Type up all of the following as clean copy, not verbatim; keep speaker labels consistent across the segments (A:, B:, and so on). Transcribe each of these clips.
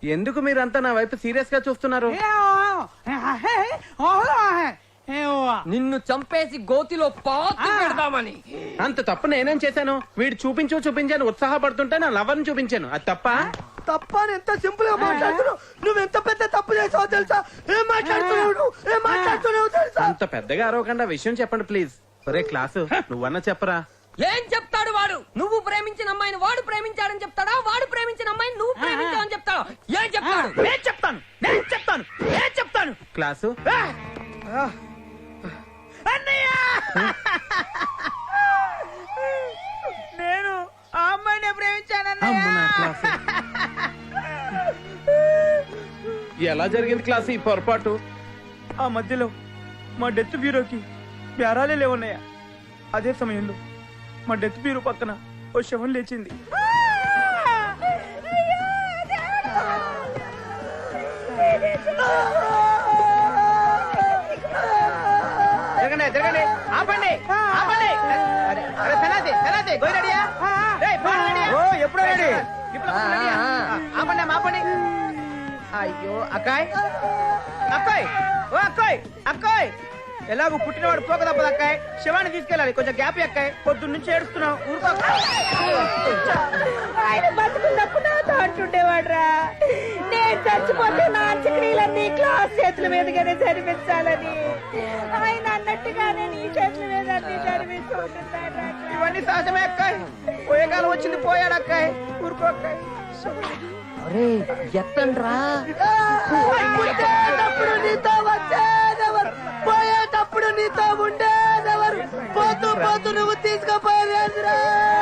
A: ఎందుకు మీరంతా నా వైపు సీరియస్ గా చూస్తున్నారు?
B: నిన్ను చంపేసి గోతిలో పాతి పెడదామని.
A: అంత తప్పు నేనేం చేశాను? వీడు చూపించాను ఉత్సాహపడుతుంటే నా లవర్ని చూపించాను. అది తప్ప?
C: తప్ప ఎంత సింపుల్ గా మాట్లాడుతున్నావు. నువ్వు ఎంత పెద్ద తప్పు చేసావో తెలుసా? ఏం మాట్లాడుతున్నావు తెలుసా?
A: అంత పెద్దగా అరవకుండా విషయం చెప్పండి ప్లీజ్. ఒరే క్లాసు, నువ్వన్నా చెప్పరా.
B: ఏం చెప్తాడు వాడు? నువ్వు ప్రేమించిన అమ్మాయిని వాడు ప్రేమించాడని చెప్తాడా? వాడు ప్రేమించిన అమ్మాయిని నువ్వు ప్రేమించావని చెప్తాడా? ఏం చెప్తాడు?
C: నేను చెప్తాను
A: క్లాసు,
C: అన్నయ్య, నేను ఆ అమ్మాయిని ప్రేమించానన్నయ్య.
A: అమ్మ నా క్లాసు. ఎలా జరిగింది క్లాసు ఈ పొరపాటు?
C: ఆ మధ్యలో మా డెత్ బ్యూరోకి బేరాలే లేవున్నాయా. అదే సమయంలో మా డెత్ బ్యూరో పక్కన ఓ శవం లేచింది. జరగండి జరగండి, ఆపండి ఆపండి. అరే సనాతి సనాతి గోయి రెడీయా? ఎప్పుడో రెడీ. ఆపండి ఆపండి. అయ్యో అక్కాయ్ అక్కాయ్, ఓ అక్కాయ్ అక్కాయ్, ఎలాగో పుట్టినవాడు పోక తప్పదు అక్కాయ్. శివాన్ని తీసుకెళ్ళాలి, కొంచెం గ్యాప్ అక్కాయ్. పొద్దున్న నుంచి ఏడుస్తున్నావు. ఊరుకో.
D: ఆయన బతుకున్నప్పుడు నాతో అంటుండేవాడ్రా, నేను చచ్చిపోతే నా అంత్యక్రియలన్నీ క్లాస్ చేతుల మీదుగానే జరిపించాలని. ఆయన అన్నట్టుగానే నీ చేతుల మీద అన్ని జరిపిస్తుంటాడు.
C: ఇవన్నీ సహజమే అక్కాయ్. పోయే కాలం వచ్చింది, పోయాడు అక్కాయ్. ఊరుకో అక్కాయ్.
B: అరే ఎత్తండ్రా.
C: పుట్టేటప్పుడు నీతో వచ్చేదెవరు, పోయేటప్పుడు నీతో ఉండేదెవరు, పోతూ పోతూ నువ్వు తీసుకుపోయేదిరా.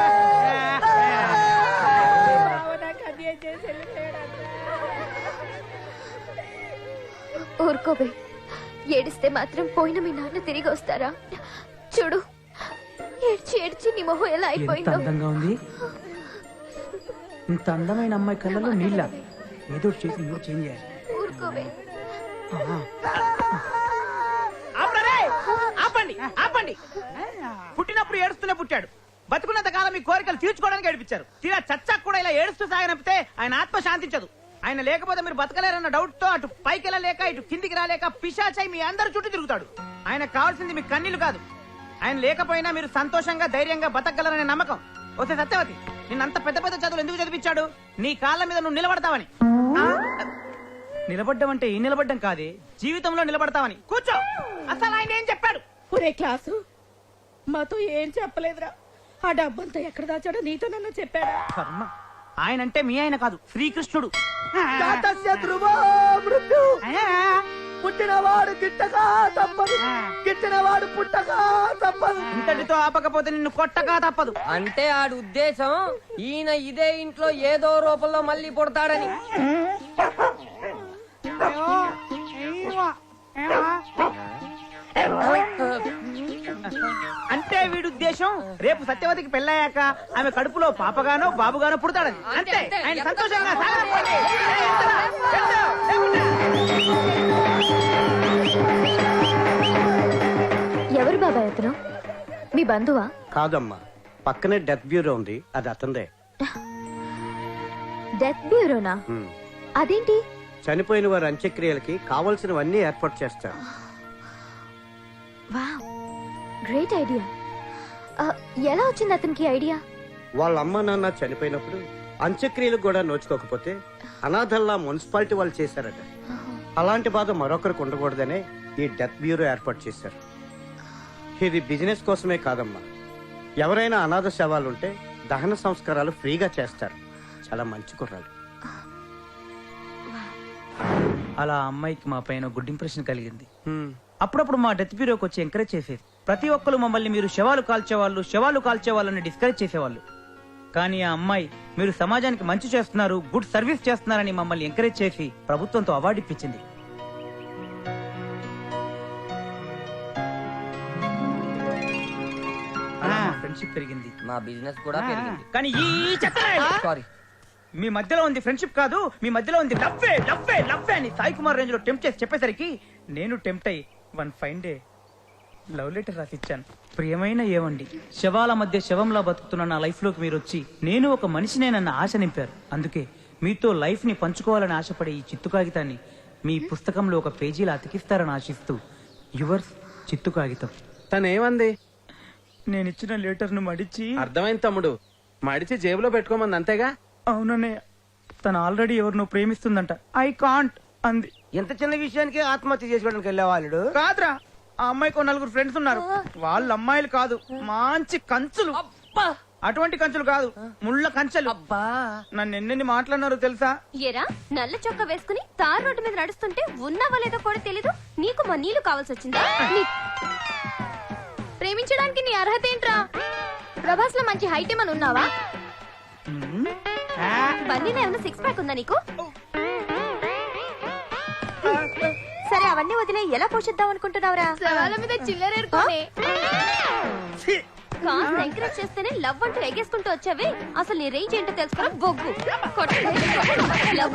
E: ఊరుకోబే, ఏడిస్తే మాత్రం పోయిన మీ నాన్న తిరిగి వస్తారా? చూడు, ఏడ్చి ఏడ్చి నీ మొహం ఎలా అయిపోయిందో.
F: అందంగా ఉంది. ఇంత అందమైన అమ్మాయి కళ్ళలో నీళ్ళ ఏదో చేసి నువ్వు చేంజ్ చేయాలి.
E: ఊరుకోబే.
C: ఆపండి ఆపండి. పుట్టినప్పుడు ఏడుస్తూనే పుట్టాడు. బతుకున్నంత కాలం మీ కోరికలు తీర్చుకోవడానికి ఏడిపించారు. తీరా చచ్చాక కూడా ఇలా ఏడుస్తూ సాగనంపితే ఆయన ఆత్మ శాంతించదు. ఆయన లేకపోతే మీరు బతకలేరన్న డౌట్ తో అటు పైకి వెళ్ళలేక ఇటు కిందికి రాలేక పిశాచై మీ అందరి చుట్టూ తిరుగుతాడు. ఆయన కావాల్సింది మీ కన్నీళ్లు కాదు. ఆయన లేకపోయినా మీరు సంతోషంగా ధైర్యంగా బతకగలరనే నమ్మకం. వస్తే సత్యవతి, నిన్నంత పెద్ద పెద్ద చదువులు ఎందుకు చదివించాడు? నీ కాళ్ళ మీద నువ్వు నిలబడతావని. నిలబడ్డం అంటే ఈ నిలబడ్డం కాదే, జీవితంలో నిలబడతావని. కూర్చో. అసలు ఆయన ఏం చెప్పాడు?
D: ఒరే క్లాసు, మాతో ఏం చెప్పలేదురా. ఆ డబ్బంతా ఎక్కడ దాచాడో నీతో నన్ను చెప్పాడా?
C: కర్మ. ఆయనంటే మీ ఆయన కాదు, శ్రీకృష్ణుడు. పుట్టినవాడు గిట్టగా తప్పదు, గిట్టినవాడు పుట్టగా తప్పదు. ఇంతటితో ఆపకపోతే నిన్ను కొట్టగా తప్పదు.
B: అంటే ఆడి ఉద్దేశం ఈయన ఇదే ఇంట్లో ఏదో రూపంలో మళ్ళీ పుడతాడని.
C: అంటే వీడి ఉద్దేశం రేపు సత్యవతికి పెళ్ళయ్యాక ఆమె కడుపులో పాపగానో బాబుగానో పుడతాడని. అంతే. ఆయన సంతోషంగా సాగనంపండి.
E: ఎవరు బాబాయ్ అతను? మీ బంధువా?
G: కాదమ్మా, పక్కనే డెత్ బ్యూరో ఉంది, అది అతందే.
E: డెత్ బ్యూరోనా? అదేంటి?
G: చనిపోయిన వారి అంత్యక్రియలకి కావలసినవన్నీ ఏర్పాటు చేస్తారు.
E: Wow, great idea. ఎలా వచ్చింది అతనికి ఐడియా?
G: వాళ్ళ అమ్మ నాన్న చనిపోయినప్పుడు అంత్యక్రియలకు కూడా నోచుకోకపోతే అనాథల్లా మున్సిపాలిటీ వాళ్ళు చేశారట. అలాంటి బాధ మరొకరికి ఉండకూడదనే ఈ డెత్ బ్యూరో ఏర్పాటు చేశారు. ఇది బిజినెస్ కోసమే కాదమ్మా, ఎవరైనా అనాథ శవాలుంటే దహన సంస్కారాలు ఫ్రీగా చేస్తారు. చాలా మంచి కుర్రాడు.
F: అలా అమ్మాయికి మా పైన గుడ్ ఇంప్రెషన్ కలిగింది. అప్పుడప్పుడు మా డెత్ బ్యూరోకి వచ్చి ఎంకరేజ్ చేసేది. ప్రతి ఒక్కరు మమ్మల్ని మీరు శవాలు కాల్చేవాళ్ళని డిస్కరేజ్ చేసేవాళ్ళు. కానీ ఆ అమ్మాయి మీరు సమాజానికి మంచి చేస్తున్నారు, గుడ్ సర్వీస్ చేస్తున్నారని మమ్మల్ని ఎంకరేజ్ చేసి ప్రభుత్వంతో అవార్డు ఇప్పించింది. ఫ్రెండ్షిప్ పెరిగింది,
B: మా బిజినెస్ కూడా పెరిగింది.
C: కానీ ఈ
B: సారీ,
C: మీ మధ్యలో ఉంది ఫ్రెండ్షిప్ కాదు, మీ మధ్యలో ఉంది లవ్వే లవ్వే లవ్వే అని సాయి కుమార్ రేంజ్ లో టెంప్ట్ చేసి చెప్పేసరికి నేను టెంప్ట్ అయ్యి one fine day love letter రాసిచ్చాను. ప్రియమైన ఏవండి, శవాల మధ్య శవంలా బతుకుతున్న నా లైఫ్ లోకి మీరు వచ్చి నేను ఒక మనిషినేనన్న ఆశ నింపారు. అందుకే
F: మీతో లైఫ్ ని పంచుకోవాలని ఆశపడే ఈ చిత్తు కాగితాన్ని మీ పుస్తకంలో ఒక పేజీలా అతికిస్తారని ఆశిస్తూ యువర్స్ చిత్తు కాగితం.
A: తనేమంది?
F: నేను ఇచ్చిన లెటర్ ను మడిచి
A: అర్థమైంది తమ్ముడు, మడిచి జేబులో పెట్టుకోమంది అంతేగా.
F: అవునన్నయ్య, తను ఆల్రెడీ ఎవరినో ప్రేమిస్తుందంట. ఐ కాంట్ అంది.
C: ఎంత చిన్న విషయానికి ఆత్మహత్య చేసుకోవడానికి వెళ్ళేవాళ్ళు కాదురా. ఆ అమ్మాయికి ఓ 4 ఫ్రెండ్స్ ఉన్నారు. వాళ్ళ అమ్మాయిలు కాదు, మంచి కంచులు.
B: అబ్బా
C: అటువంటి కంచులు కాదు, ముళ్ళ కంచెలు.
B: అబ్బా
C: నన్ను ఎన్నెన్ని మాట్లాడినారో తెలుసా?
E: ఎరా నల్ల చొక్క వేసుకుని తార్ రోడ్డు మీద నడుస్తుంటే ఉన్నావో లేదో కూడా తెలీదు. నీకు మా నీళ్లు కావాల్సి వచ్చిందా? ప్రేమించడానికి నీ అర్హత ఏంట్రా? ప్రభాస్ లో మంచి హైట్ ఏమని ఉన్నావా? బన్నీలో ఏమైనా 6 ప్యాక్ ఉందా నీకు? సరే అవన్నీ వదిలే ఎలా పోషిద్దాం అనుకుంటున్నావురా? సవాల మీద చిల్లరేరుకోనే కాస్త ఎంకరేజ్ చేస్తేనే లవ్ అంటూ ఎగేసుకుంటూ వచ్చావే. అసలు నీ రేంజ్ ఏంటో తెలుసుకోరా బొగ్గు. లవ్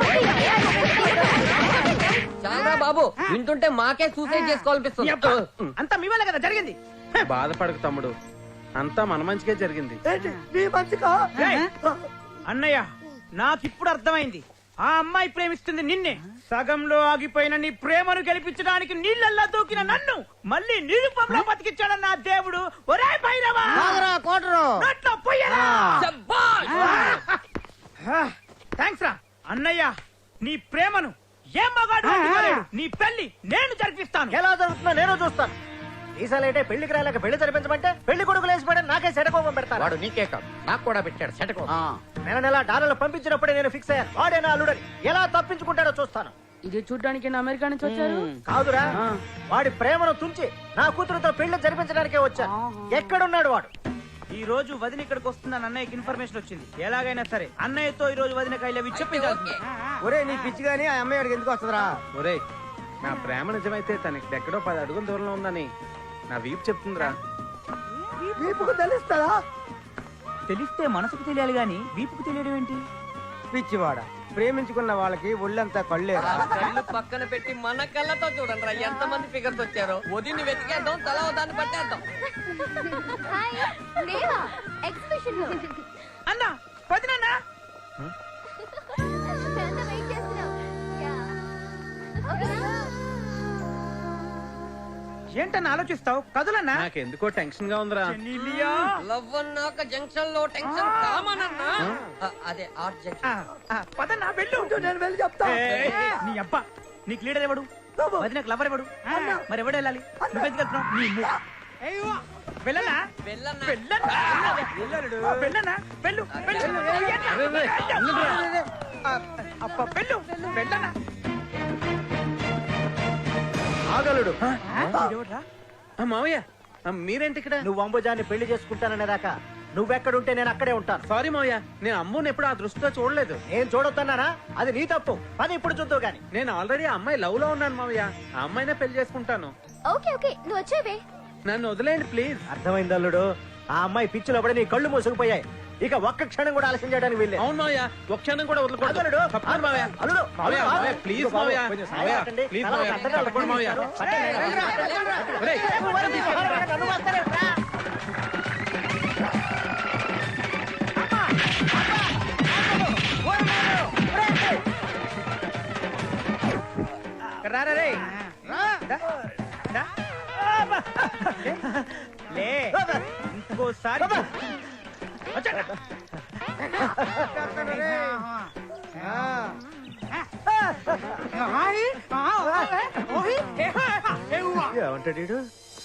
B: చాలా బాబు, వింటుంటే మాకే సూసైడ్ చేసుకోవాలనిపిస్తుంది.
C: అంతా మీ వల్ల కదా జరిగింది.
A: బాధపడకు తమ్ముడు, అంతా మన మంచిగా జరిగింది.
C: ఏయ్, అన్నయ్య నాకిప్పుడు అర్థమైంది. ఆ అమ్మాయి ప్రేమిస్తుంది నిన్నే. సగంలో ఆగిపోయిన నీ ప్రేమను గెలిపించడానికి నీళ్ళల్లా దూకిన నన్ను మళ్ళీ నిరుపంలో బతికించాడన్న ఆ దేవుడు. ఒరే భైరవా, నోట్లో పొయ్యరా. థ్యాంక్స్ రా అన్నయ్య. నీ ప్రేమను ఏ మగాడు ఆపుకోలేడు. నీ పెళ్లి నేను జరిపిస్తాను.
H: ఎలా జరుగుతుందో నేను చూస్తాను. ఈసారి పెళ్లికి రాలేక పెళ్లి జరిపించమంటే పెళ్లి కొడుకులు వేసిపోయాడు. నాకే సెటకోపం పెడతాడు.
G: వాడు నీకే కాదు, నాకు కూడా పెట్టాడు సెటకోపం.
H: నెల డాలర్లు పంపించినప్పుడే నేను ఫిక్స్ అయ్యాను. వాడే నా అల్లుడని. ఎలా తప్పించుకుంటాడో చూస్తాను.
B: ఇది చూడ్డానికి అమెరికా నుంచి వచ్చారు.
H: కాదురా, వాడి ప్రేమను తుంచి నా కూతురుతో పెళ్లి జరిపించడానికే వచ్చాను. ఎక్కడున్నాడు వాడు?
C: ఈ రోజు వదిన ఇక్కడికి వస్తుందని అన్నయ్యకి ఇన్ఫర్మేషన్ వచ్చింది. ఎలాగైనా సరే అన్నయ్యతో ఈ రోజు వదిన కైలవి చెప్పించాలి.
H: ఒరే నీ పిచ్చి గానీ ఆ అమ్మాయి వాడికి ఎందుకు వస్తుందిరా?
A: ఒరేయ్, నా ప్రేమ నిజమైతే తనకి ఎక్కడో 10 అడుగుల దూరంలో ఉందని నా వీపు చెప్తుందిరా.
H: తెలుస్తుందా?
F: తెలిస్తే మనసుకు తెలియాలి గాని వీపుకు తెలియడం ఏంటి?
H: పిచ్చివాడ, ప్రేమించుకున్న వాళ్ళకి ఒళ్ళంతా కళ్ళేరా?
B: కళ్ళు పక్కన పెట్టి మన కళ్ళతో చూడండి ఎంత మంది ఫిగర్స్ వచ్చారో. వదిని వెతికేద్దాం, తల దాన్ని పట్టేద్దాం.
E: ఎగ్జిబిషన్ లో
C: అన్న వదినన్నా
E: వెయిట్ చేస్తున్నాం.
C: ఏంటన్నా ఆలోచిస్తావు? కదులన్నా.
A: నాకెందుకో టెన్షన్ గా ఉందిరా.
C: చెన్నీలియా.
B: లవ్ అన్నాక జంక్షన్ లో టెన్షన్ కామన్ అన్నా. అదే ఆర్ట్ జంక్షన్.
C: పదన్నా వెళ్ళు. నేను వెళ్ళి చెప్తా. నీ అబ్బా, నీకు లీడర్ ఎవడు? వదినకు లవర్ ఎవడు? మరి ఎవడు వెళ్ళాలి? నువ్వెందుకు వెళ్తున్నావు? నీ ము. వెళ్ళనా?
B: వెళ్ళన్నా.
C: వెళ్ళనా? వెళ్ళు. అబ్బా వెళ్ళు. వెళ్ళనా?
H: ఆగలుడు.
A: మావయ్య, మీరేంటి ఇక్కడ?
H: నువ్వు అంబుజాన్ని పెళ్లి చేసుకుంటాననేదాకా నువ్వెక్కడుంటే నేను అక్కడే ఉంటాను.
A: సారీ మావయ్య, నేను అమ్ముని ఎప్పుడు ఆ దృష్టితో చూడలేదు.
H: నేను చూడొద్దన్నానా? అది నీ తప్పు. అది ఇప్పుడు చూద్దావు గాని.
A: నేను ఆల్రెడీ ఆ అమ్మాయి లవ్ లో ఉన్నాను మావయ్య. ఆ అమ్మాయినే పెళ్లి చేసుకుంటాను.
E: ఓకే ఓకే నువ్వు వచ్చేవే.
A: నన్ను వదిలేయండి ప్లీజ్.
H: అర్థమైంది అల్లుడు. ఆ అమ్మాయి పిచ్చిలో పడి నీ కళ్ళు మూసుకుపోయాయి. ఇక ఒక్క క్షణం కూడా ఆలస్యం చేయడానికి వీల్లేదు.
A: అవును మావయ్య, ఒక్క క్షణం కూడా వదలకూడదు.
H: అల్లుడు,
A: తప్పకుండా మావయ్య.
H: అల్లుడు,
A: మావయ్య,
H: అల్లుడు,
A: మావయ్య, ప్లీజ్ మావయ్య.
H: కొంచెం
A: మావయ్య,
H: సాయం
A: ప్లీజ్
H: కట్టండి.
A: మావయ్య.
H: కట్టండి.
A: తప్పకుండా మావయ్య. ఒరేయ్,
H: నన్ను వస్తారేంట్రా?
C: రారా రే. దా. దా. లే. ఇంకోసారి వచ్చాడా?
H: ఏమంటాడు?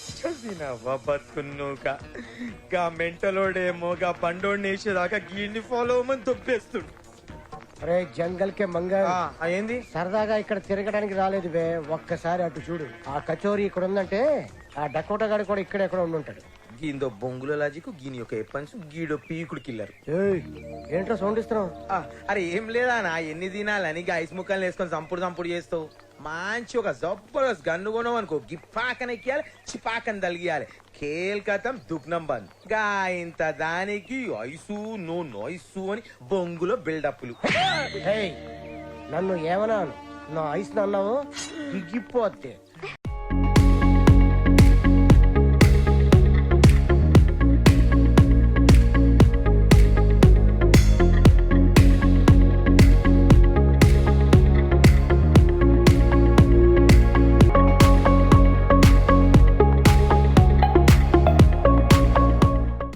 I: గా మెంటలోడేమో గా పండోడిని వేసేదాకా గీడిని ఫాలో అవ్వమని తొప్పేస్తుడు.
H: అరే జంగల్ కే మంగ
I: ఏంది
H: సరదాగా ఇక్కడ తిరగడానికి రాలేదు బే. ఒక్కసారి అటు చూడు. ఆ కచోరీ ఇక్కడ ఉందంటే ఆ డకోటా గాడి కూడా ఇక్కడ ఎక్కడ ఉండుంటాడు.
I: గీందో బొంగుల లాజిక్ గీని ఒక ఎప్పన్స్ గీడో పీకుడు కిల్లరు.
H: ఏంట్రా సౌండ్ ఇస్తున్నావు?
I: అరే ఏం లేదా నా ఎన్ని దినాలని ఐస్ ముక్కలు వేసుకొని సంపుడు చేస్తావు. మంచి ఒక జబర్దస్త్ గన్ను కొనవు అనుకో, గిప్పాకన ఎక్కియాలి, చిపాకని తలిగియాలి. కేల్కతం దుఃఖం బంద్. గా ఇంత దానికి ఐసు నో నోయిసు అని బొంగులో బిల్డప్లు.
H: నన్ను ఏమన్నాను? నా ఐస్ అన్నావు దిగిపోతే